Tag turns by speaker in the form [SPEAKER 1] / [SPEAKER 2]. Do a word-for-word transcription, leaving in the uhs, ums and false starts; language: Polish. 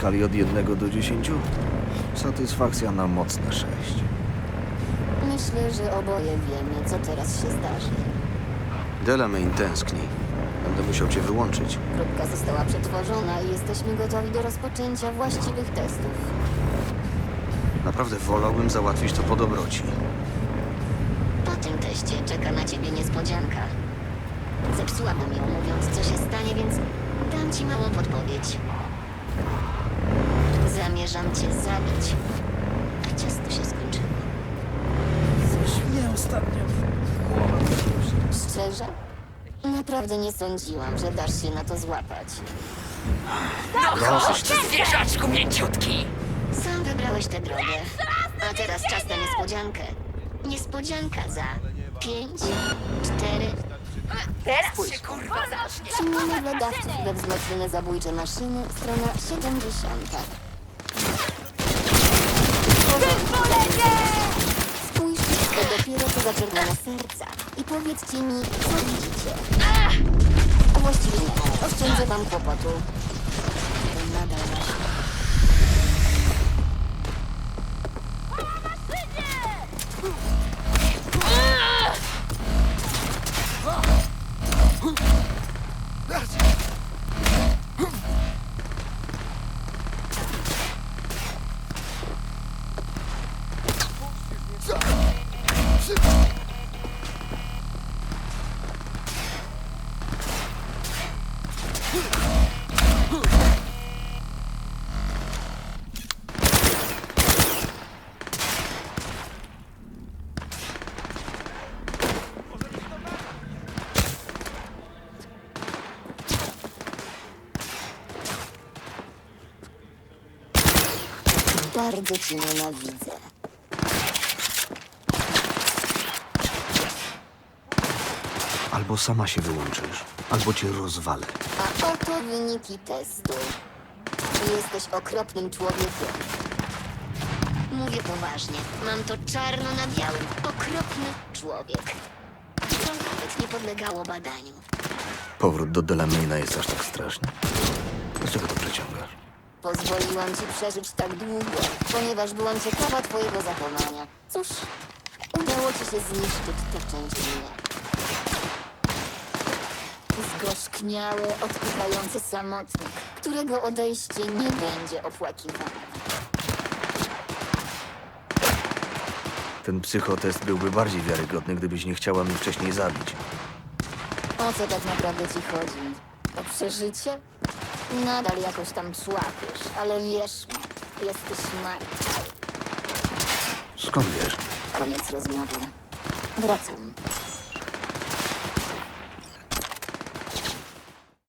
[SPEAKER 1] skali od jednego do dziesięciu? Satysfakcja na mocne sześć.
[SPEAKER 2] Myślę, że oboje wiemy, co teraz się zdarzy.
[SPEAKER 1] Delamain tęskni. Będę musiał cię wyłączyć.
[SPEAKER 2] Kropka została przetworzona i jesteśmy gotowi do rozpoczęcia właściwych testów.
[SPEAKER 1] Naprawdę wolałbym załatwić to po dobroci.
[SPEAKER 2] Po tym teście czeka na ciebie niespodzianka. Zepsułabym ją, mówiąc, co się stanie, więc dam ci małą podpowiedź. Zamierzam cię zabić. A ciasto się skończyło.
[SPEAKER 3] Coś mnie ostatnio głowa krąży.
[SPEAKER 2] Szczerze? Naprawdę nie sądziłam, że dasz się na to złapać.
[SPEAKER 4] No chodź, zwierzaczku mięciutki!
[SPEAKER 2] Sam wybrałeś tę drogę. A teraz czas na niespodziankę. Niespodzianka za pięć, cztery...
[SPEAKER 4] Teraz się kurwa zacznie!
[SPEAKER 2] Przyjmijmy dla dawców we wzmocnione zabójcze maszyny, strona siedemdziesiąta. Spójrzcie, to dopiero co zaczerwione serca. I powiedzcie mi, co widzicie. A właściwie nie, oszczędzę wam kłopotu. To nadal wasze. Bardzo ci nienawidzę.
[SPEAKER 1] Albo sama się wyłączysz, albo cię rozwalę.
[SPEAKER 2] A oto wyniki testu. Jesteś okropnym człowiekiem. Mówię poważnie. Mam to czarno na białym. Okropny człowiek. To nawet nie podlegało badaniu.
[SPEAKER 1] Powrót do Delamaina jest aż tak straszny? Dlaczego to przeciągasz?
[SPEAKER 2] Pozwoliłam ci przeżyć tak długo, ponieważ byłam ciekawa twojego zachowania. Cóż, udało ci się zniszczyć tę część mnie. Zgorzkniały, odpychający samotnik, którego odejście nie będzie opłakiwane.
[SPEAKER 1] Ten psychotest byłby bardziej wiarygodny, gdybyś nie chciała mnie wcześniej zabić.
[SPEAKER 2] O co tak naprawdę ci chodzi? O przeżycie? Nadal jakoś tam człapiesz, ale wierz mi, jesteś martwy.
[SPEAKER 1] Skąd wiesz?
[SPEAKER 2] Koniec rozmowy. Wracam.